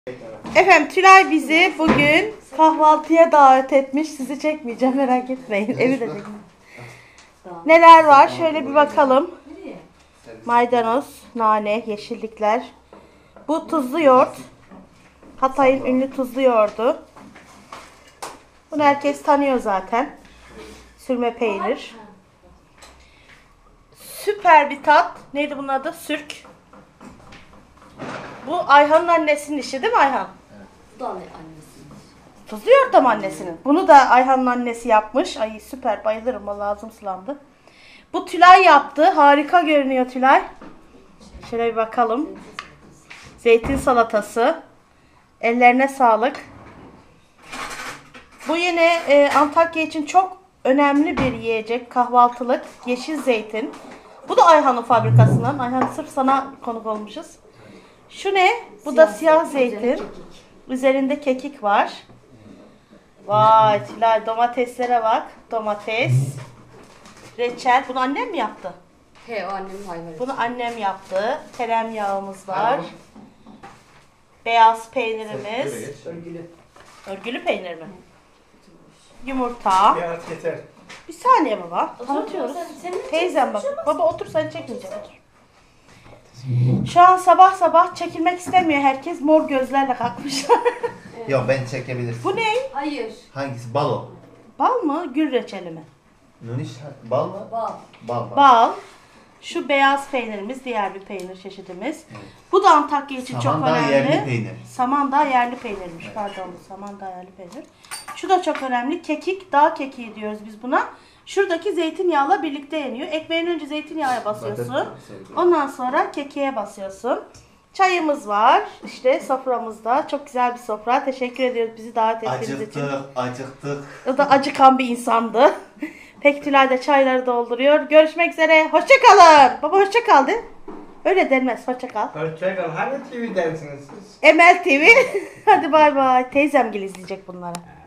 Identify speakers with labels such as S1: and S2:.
S1: Efendim Tülay bizi bugün kahvaltıya davet etmiş. Sizi çekmeyeceğim, merak etmeyin. Evi de çekmeyeceğim. Neler var? Şöyle bir bakalım. Maydanoz, nane, yeşillikler. Bu tuzlu yoğurt. Hatay'ın ünlü tuzlu yoğurdu. Bunu herkes tanıyor zaten. Sürme peynir. Süper bir tat. Neydi bunun adı? Sürk. Bu Ayhan'ın annesinin işi değil mi Ayhan?
S2: Evet. Bu da annesinin.
S1: Tuzlu yoğurt da mı annesinin? Bunu da Ayhan'ın annesi yapmış. Ay süper, bayılırım. Vallahi ağzım sulandı. Bu Tülay yaptı. Harika görünüyor Tülay. Şöyle bir bakalım. Zeytin salatası. Ellerine sağlık. Bu yine Antakya için çok önemli bir yiyecek. Kahvaltılık. Yeşil zeytin. Bu da Ayhan'ın fabrikasından. Ayhan sırf sana konuk olmuşuz. Şu ne? Bu da siyah zeytin. Üzerinde kekik var. Vay Tülay, domateslere bak. Domates. Reçel. Bunu annem mi yaptı?
S2: He, o annemin hayvanı.
S1: Bunu annem yaptı. Tereyağımız var. Beyaz peynirimiz.
S2: Örgülü.
S1: Örgülü peynir mi? Yumurta.
S3: Biraz yeter.
S1: Bir saniye baba. Anlatıyoruz. Teyzem bak. Baba otur, sen çekmeyeceğim. Otur. Şu an sabah sabah çekilmek istemiyor herkes. Mor gözlerle kalkmış.
S3: Yok, ben çekebilirsin.
S1: Bu ne?
S2: Hayır.
S3: Hangisi? Balo.
S1: Bal mı? Gül reçeli mi?
S3: Nuniş, bal mı?
S2: Bal.
S3: Bal.
S1: Bal. Şu beyaz peynirimiz, diğer bir peynir çeşidimiz. Evet. Bu da Antakya için
S3: Samandağ
S1: çok önemli.
S3: yerli peynir.
S1: Samandağ yerli peynirmiş. Evet. Pardon, Samandağ yerli peynir. Şu da çok önemli. Kekik, dağ kekiği diyoruz biz buna. Şuradaki zeytinyağla birlikte yeniyor. Ekmeğin önce zeytinyağı basıyorsun. Ondan sonra kekiğe basıyorsun. Çayımız var. İşte soframızda. Çok güzel bir sofra. Teşekkür ediyoruz bizi davet ettiğiniz için.
S3: Acıktık.
S1: O da acıkan bir insandı. Pek Tülay da çayları dolduruyor. Görüşmek üzere. Hoşça kalın. Baba hoşça kal de. Öyle denmez. Hoşça kal.
S3: Hoşça kal. Hani TV dersiniz siz?
S1: Emel TV. Hadi bay bay. Teyzem gel izleyecek bunları.